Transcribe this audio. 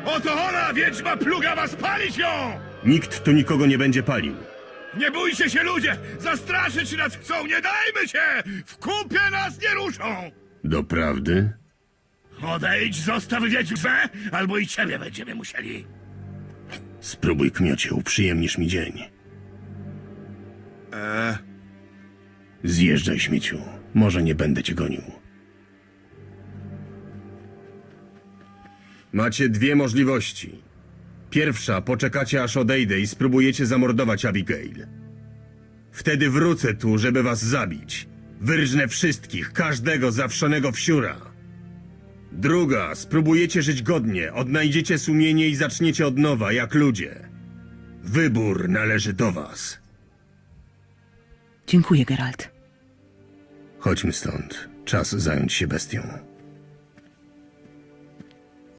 Oto ona, wiedźma plugawa, spalić ją! Nikt tu nikogo nie będzie palił. Nie bójcie się, ludzie! Zastraszyć nas chcą, nie dajmy się! W kupie nas nie ruszą! Doprawdy? Odejdź, zostaw wiedźmę, albo i ciebie będziemy musieli. Spróbuj, kmiocie, uprzyjemnisz mi dzień. Zjeżdżaj, śmieciu. Może nie będę cię gonił. Macie dwie możliwości. Pierwsza, poczekacie aż odejdę i spróbujecie zamordować Abigail. Wtedy wrócę tu, żeby was zabić. Wyrżnę wszystkich, każdego zawszonego wsiura. Druga, spróbujecie żyć godnie, odnajdziecie sumienie i zaczniecie od nowa, jak ludzie. Wybór należy do was. Dziękuję, Geralt. Chodźmy stąd. Czas zająć się bestią.